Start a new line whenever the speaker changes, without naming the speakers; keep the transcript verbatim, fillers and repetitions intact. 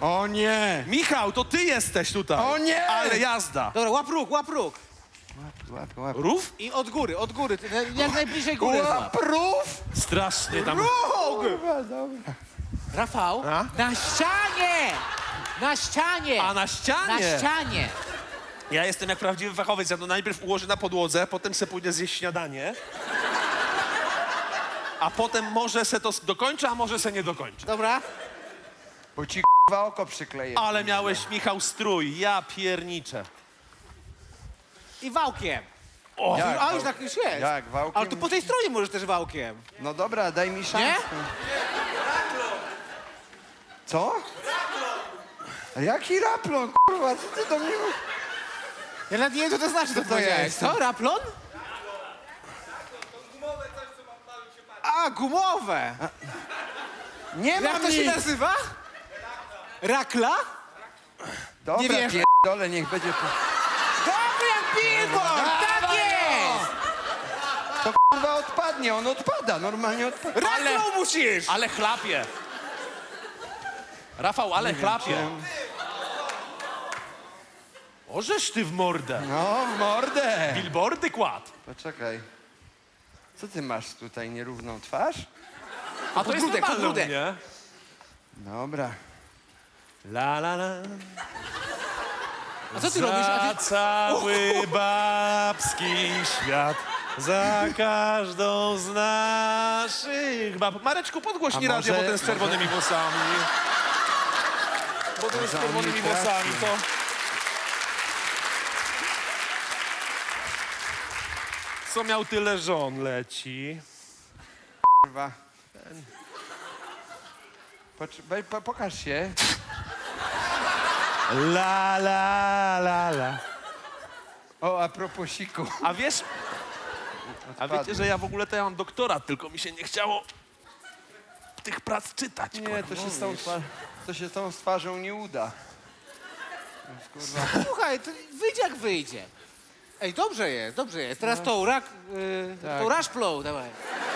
O nie!
Michał, to ty jesteś tutaj.
O nie!
Ale jazda.
Dobra, łap róg, łap róg.
Łap, łap, łap.
Rów?
I od góry, od góry. Ty, jak najbliżej góry
Łap
złap.
rów!
Strasznie tam...
Kurwa, dobra.
Rafał,
A?
na ścianie! Na ścianie!
A na
Na
ścianie?
ścianie!
Ja jestem jak prawdziwy fachowiec. Ja to najpierw ułożę na podłodze, potem se pójdę zjeść śniadanie. A potem może se to dokończę, a może se nie dokończę.
Dobra?
Bo ci k***wa oko przykleję.
Ale miałeś, Michał, strój. Ja pierniczę.
I wałkiem.
O,
Jak?
A już tak już jest.
Jak, wałkiem?
Ale tu po tej stronie możesz też wałkiem.
No dobra, daj mi szansę.
Nie?
Co? A jaki raplon, kurwa, co ty do mnie...
Ja nawet nie wiem, co to znaczy, co
to
powiedziałeś.
jest?
Co? Raplon? A, gumowe.
Nie
Jak
mam
to się
nic!
nazywa? Rakla?
Dobra,
Nie wiesz?
pierdolę, niech będzie... po-
Dobry jak billboard! Tak jest!
To kurwa odpadnie, on odpada, normalnie odpada.
Raklą musisz!
ale chlapie. Rafał, ale chlapie. Ożeż ty w mordę.
No, w mordę.
Billboardy kładł.
Poczekaj. Co ty masz tutaj, nierówną twarz?
A to jest
Podbródek,
normalne u
podbródek.
mnie.
Dobra.
La la la.
A co ty robisz? A
Za
ty...
cały babski świat, za każdą z naszych bab. Mareczku, podgłośnij
A
radio,
może-
bo ten z czerwonymi włosami. Bo ten z
Może on
czerwonymi
mi trafi.
włosami to... Co miał tyle żon, leci.
Kurwa. Pocz- wej- po, pokaż się.
La la la la.
O, a propos siku.
A wiesz, a
Odpadł.
wiecie, że ja w ogóle to ja mam doktorat, tylko mi się nie chciało tych prac czytać.
Nie, to się, z tą twa- to się z tą z twarzą nie uda. Więc, kurwa.
Słuchaj, to wyjdzie jak wyjdzie. Ej, dobrze jest, dobrze jest. Teraz tą rak... Yy,
Tak.
tą rush flow, dawaj.